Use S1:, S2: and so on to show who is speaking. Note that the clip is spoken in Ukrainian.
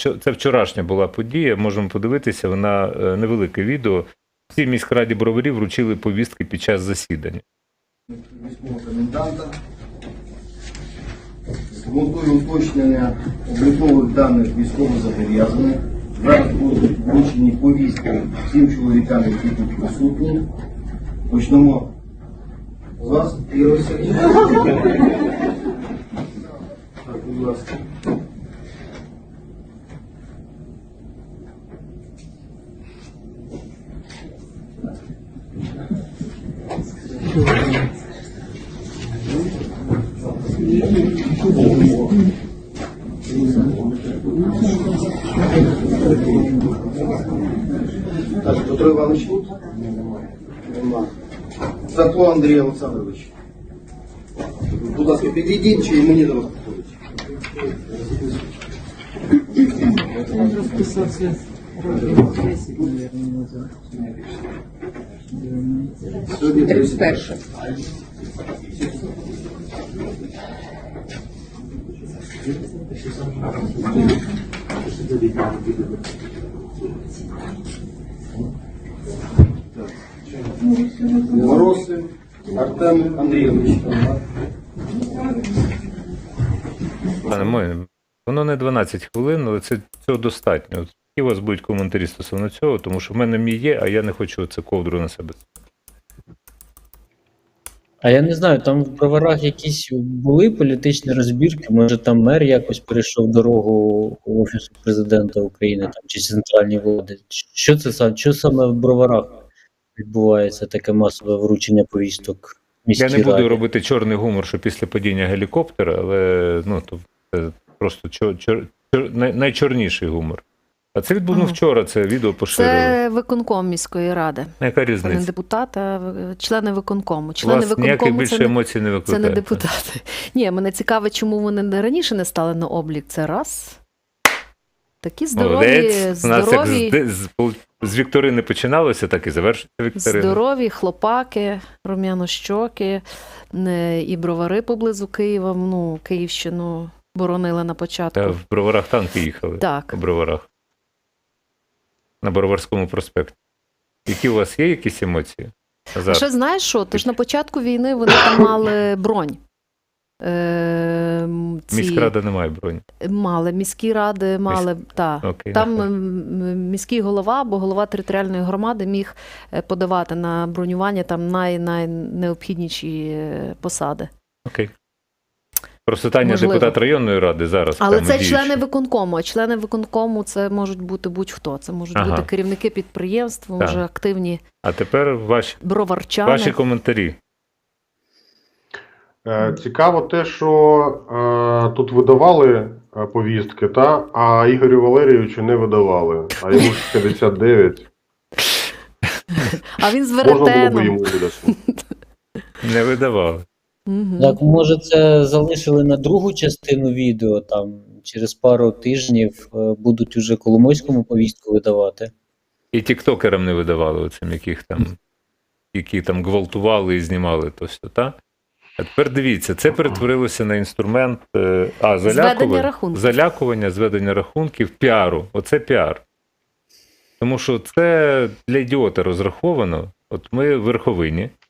S1: це вчорашня була подія, можемо подивитися, вона невелике відео. Всі міськраді Броварів вручили повістки під час засідання.
S2: Військового коменданта. З метою уточнення облікових даних військовозобов'язаних. Зараз будуть вручені повістки всім чоловікам, які тут присутні. Почнемо з вас, Ігор Сергійович. Так, будь ласка. Так, Петро Іванович тут? Нема. Цапло Андрій Олександрович. Будь ласка, підійдіть, чи мені до вас підходить?
S3: Он расписался років 10, наверное, назад.
S2: Сьогодні
S4: 31.
S2: Мороз Артем Андрійович.
S1: Пане моє, воно не 12 хвилин, але цього достатньо. От які у вас будуть коментарі стосовно цього, тому що в мене мій є, а я не хочу це ковдру на себе.
S3: А я не знаю, там в Броварах якісь були політичні розбірки, може там мер якось перейшов дорогу Офісу Президента України там, чи центральній влади. Що саме в Броварах відбувається таке масове вручення повісток міській
S1: Я не буду
S3: раді?
S1: робити чорний гумор, що після падіння гелікоптера, але ну, то це просто найчорніший гумор. А це відбуло вчора, це відео поширили.
S4: Це виконком міської ради.
S1: Яка
S4: Це не
S1: різниця?
S4: депутат, а члени виконкому.
S1: У
S4: Члени
S1: вас ніяких
S4: виконкому
S1: більше емоцій не
S4: це
S1: викликає.
S4: не депутати. Ні, мене цікавить, чому вони раніше не стали на облік. Це раз. Такі
S1: Молодець. У нас як
S4: здорові,
S1: з Вікторини починалося, так і завершиться Вікторина.
S4: здорові хлопаки, рум'янощоки, і бровари поблизу Києва, ну, Київщину боронили на початку.
S1: Та в Броварах танки їхали.
S4: Так.
S1: У Броварах. На Броварському проспекті. Які у вас є якісь емоції? Назар?
S4: Ще знаєш що? Тож на початку війни вони там мали бронь.
S1: Міськрада не має броні.
S4: Мали, міські ради мали, так.
S1: Окей,
S4: Там
S1: нехай.
S4: міський голова або голова територіальної громади міг подавати на бронювання там найнеобхідніші посади.
S1: Окей. Просто Таня
S4: Можливо.
S1: депутат районної ради зараз.
S4: Але
S1: там
S4: це
S1: діючий.
S4: члени виконкому, а члени виконкому це можуть бути будь-хто. Це можуть
S1: Ага.
S4: бути керівники підприємств,
S1: Так.
S4: може активні
S1: А тепер ваші
S4: броварчани.
S1: коментарі.
S5: Цікаво те, що тут видавали повістки, а Ігорю Валерійовичу не видавали, а йому ж 59.
S4: А він з
S5: Можна було б
S4: веретеном.
S5: йому видати.
S1: Не видавали.
S4: Мгм.
S3: Так, може, це залишили на другу частину відео, там через пару тижнів будуть уже Коломойському повістку видавати.
S1: І тіктокерам не видавали оцим, які там гвалтували і знімали то все, та? А тепер дивіться, це перетворилося на інструмент
S4: Зведення рахунків.
S1: залякування, зведення рахунків, піару. Оце піар. Тому що це для ідіота розраховано. От ми в Верховині,